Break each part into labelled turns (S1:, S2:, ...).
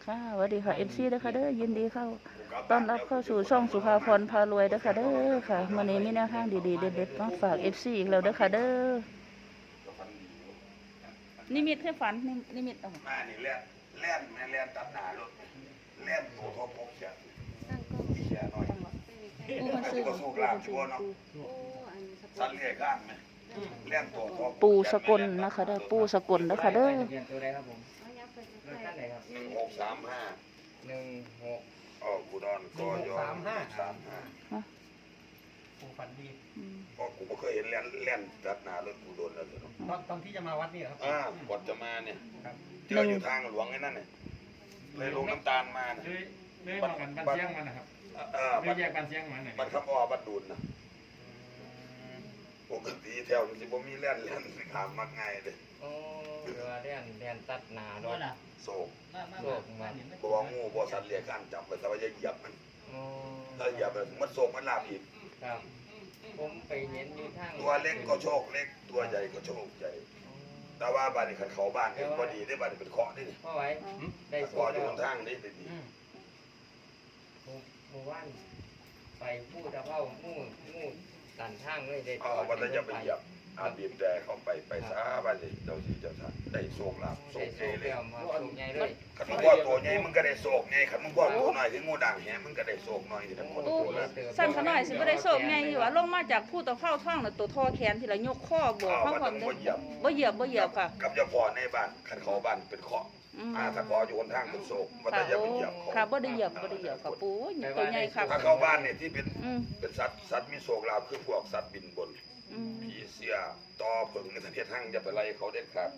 S1: ค่ะสวัสดีค่ะFCเด้อค่ะเด้อยินดีเข้าต้อนรับเข้าสู่ช่องสุภาพรพารวยเด้อค่ะเด้อค่ะมื้อนี้มีแนวทางดีๆเด็ดๆมาฝาก FC อีกแล้วเด้อค่ะเด้อนิมิตให้ฝันนิมิตเอา
S2: มานี่แล่นตัดหน้ารถแล่นโตทบพกเสียเสียหน่อย
S1: ปูมันซื้อ
S2: ก็สู้กลางชั่วเนาะสัตว์เลี้ยงข้างไหมแล่นโตทบ
S1: ปูสกลนะคะเด้อปูสกลเด้อค่ะเด้อ
S3: ตัวใดครับผมรถคันไหนครับ
S2: 1635
S3: 16
S2: กูดอนกย35
S3: ปูฝันดี
S2: ก็กูไม่เคยเห็นแล่นตัดหน้ารถกูโดนแล้วเนาะ
S3: ตอนที่จะมาวัดนี่ครับ
S2: ก่อนจะมาเนี่ยเจออยู่ทางหลวงไอ้นั่นเนี่ยเลยลงน้ำตาลมา
S3: เลยมากันบ้านเชียงมันนะครับเลยแยกบ้านเชียงมัน
S2: มันขับบัดดูนนะปกติแถวนี้สิบ่มีแล่นถามมักง่ายเลย
S3: โอ้เรือเรียนตัดหนาโดน
S2: โศกมาบ่ว่างูบ่สัตว์เลี้ยงกันจับไปแต่ว่าจะเหยียบมันถ้าเหยียบมันโศกมันลาบอีก
S3: ครับผมไปเห็นอยู่ทาง
S2: ตัวเล็กก็โชคเล็กตัวใหญ่ก็โชคใหญ่แต่ว่าบ้านนี้ขันเขาบ้านนี่พอดีได้บ้านนี้เป็นเคาะนี่
S3: พ่อไว้ได้
S2: พออยู่ทางนี้ดี
S3: หมู่บ้านไปพูดตะเภามู่ตันทางเลยได้
S2: ว่าจะไปเหยียบบีบแต่เข้าไปซาบ้านนี้เจ้าที่เจ้าทางได้โศกลาบโศกใหญ่เลยขันมึงว่าตัวใหญ่มึงก็ได้โศกไงขันมึงว่าตัวน้อยถึงงูด่างแหมึงก็ได้โศกน้อยที่ทั้งหมดตัวแล้ว
S1: สั้นขนาดสิบ่ได้โศกไงอยู่ว่าลงมาจากผู้ตะเภาท่องน่ะตัวทอแขนที่ละยกข้อบวกเข้าความเด้อบ่เหยียบค่ะ
S2: กับเจ้าพ่อในบ้านขันเขาบ้านเป็นเคาะถ้าพออยู่บนทางเป็นโศกว่าจะไปเหยียบ
S1: ค่ะบ่ได้เหยียบค่ะปูตัวใหญ่ค่ะ
S2: ถ้าเข้าบ้านเนี่ยที่เป็นสัตว์มีโศกลาภคือพวกสัตว์บินบนผีเสียต่อผึ่งในประเทศทั้งจะไปไล่เขาเด็ดขาด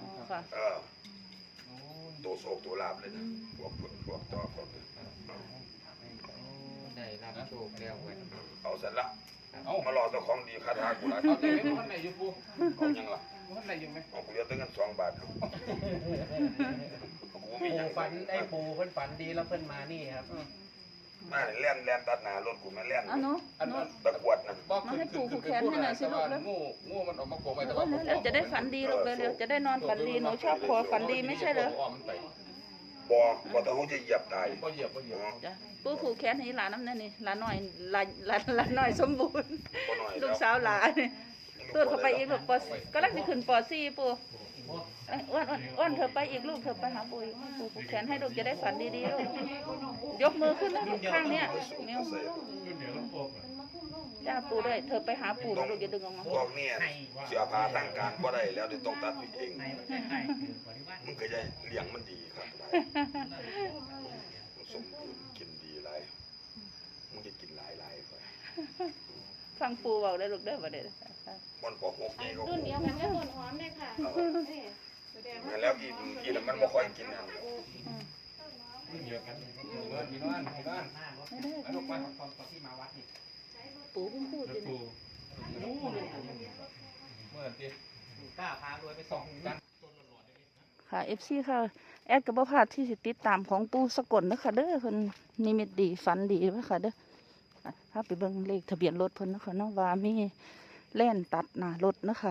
S2: ตัวโศกตัวลาภเลยนะพวกผึ่งพวกต่อพวก
S3: ได้รับโชคแล้วเว้ย
S2: เอาเสร็จละมารอเจ้าของดีคาถากูละ
S3: เอาแต่ไม่คนไหนอยู่ปู
S2: เอายังล่ะ
S3: คนไหนอยู่ไหม
S2: เอากูเลี้ยงตั้งกัน2 บาท
S3: ปูฝันไอ้ปูเพิ่นฝันดีแล้วเพิ่นมานี่ครับ
S2: มาแล่นตัดหน้ารถกูมาแล่นตะกวดนะ
S1: มาให้ปูผูกแขนให้หน่อยสิลูกแล้ว
S3: งูมันออกมาโผล่ไปแต่
S1: ว่าแล้วจะได้ฝันดีลูกเร็วๆจะได้นอนฝันดีหนูชอบขอฝันดีไม่ใช่เหรอ
S2: บ่ต้องจะเหยียบตาย
S1: จ้ะปูผูกแขนให้หลานน้ำนั่นนี่หลานน้อยหลานน้อยสมบูรณ์ลูกสาวหลานตัวเข้าไปอีกลูกก็ลังจะขึ้นป.4ปูอ้วนเธอไปอีกลูกเธอไปหาปู่ผูกแขนให้ลูกจะได้ฝันดีๆลูกยกมือขึ้นนะลูกข้างเนี้ยเมียวจ้าปู่ด้วยเธอไปหาปู่ลูกอย่าดึงออกมา
S2: พวกนี้เสียพาทางการบ่ได้แล้วเดี๋ยวต้องตัดเองมึงก็จะเลี้ยงมันดีครับสมบูรณ์กินดีไรมึงจะกินหลายไป
S1: ฟังปู่บอกได้ลูกได้บ่ได้
S2: มันปอกหกใหญ่ก็
S4: รุ่นเดียวกันก็ต้นหอมเลยค่ะ
S2: แล้วกินมันไม่ค่อยกินนะ
S3: เยอะกันพี่น้องลูกมาตอนที่มาวัดนี่
S1: ปู่เพิ่งพูดเลย
S3: เมื่อกี้กล้าพารวยไปส่องกัน
S1: ค่ะFCค่ะแอดกับบ่พลาดที่สิติดตามของปู่สกลนะคะเด้อเพิ่นนิมิตดีฝันดีนะคะเด้อถ้าไปเบิ่งเลขทะเบียนรถเพิ่นนะคะเนาะว่ามีแล่นตัดหน้ารถนะคะ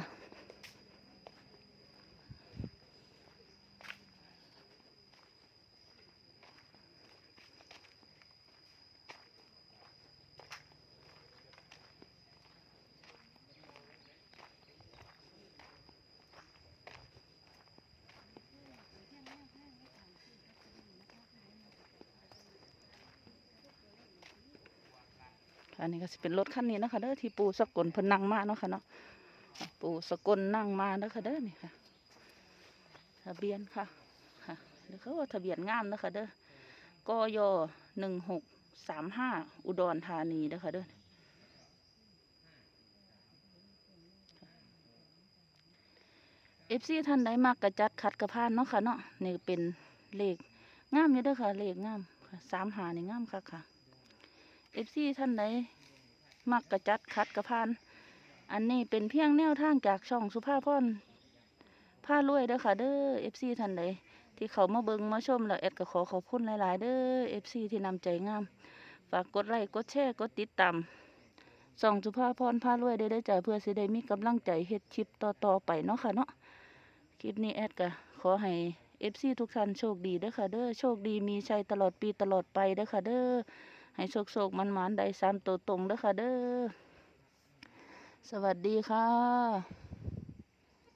S1: อันนี้ก็จะเป็นรถคันนี้นะคะเด้อที่ปู่สกลเพิ่นนั่งมาเนาะค่ะเนาะปู่สกลนั่งมาเด้อค่ะเด้อนี่ค่ะทะเบียนค่ะเดี๋ยวเขาว่าทะเบียนงามนะคะเด้อกย1635อุดรธานีเด้อค่ะเด้อFCท่านใดมากกระจัดขัดกระพานเนาะค่ะเนาะนี่เป็นเลขงามอยู่เด้อค่ะเลขงาม35นี่งามค่ะFCท่านใดมักกระจัดขัดกระพานอันนี้เป็นเพียงแนวทางจากช่องสุภาพรพารวยเด้อค่ะเด้อ FC ท่านใดที่เขามาเบิ่งมาชมแล้วแอดก็ขอบคุณหลายๆเด้อ FC ที่นำใจงามฝากกดไลค์กดแชร์กดติดตามช่องสุภาพรพารวยได้จ้ะเพื่อสิได้มีกำลังใจเฮ็ดคลิปต่อไปเนาะค่ะเนาะคลิปนี้แอดก็ขอให้ FC ทุกท่านโชคดีเด้อค่ะเด้อโชคดีมีชัยตลอดปีตลอดไปเด้อค่ะเด้อให้โชคมันได้3ตัวตรงเด้อค่ะเด้อสวัสดีค่ะ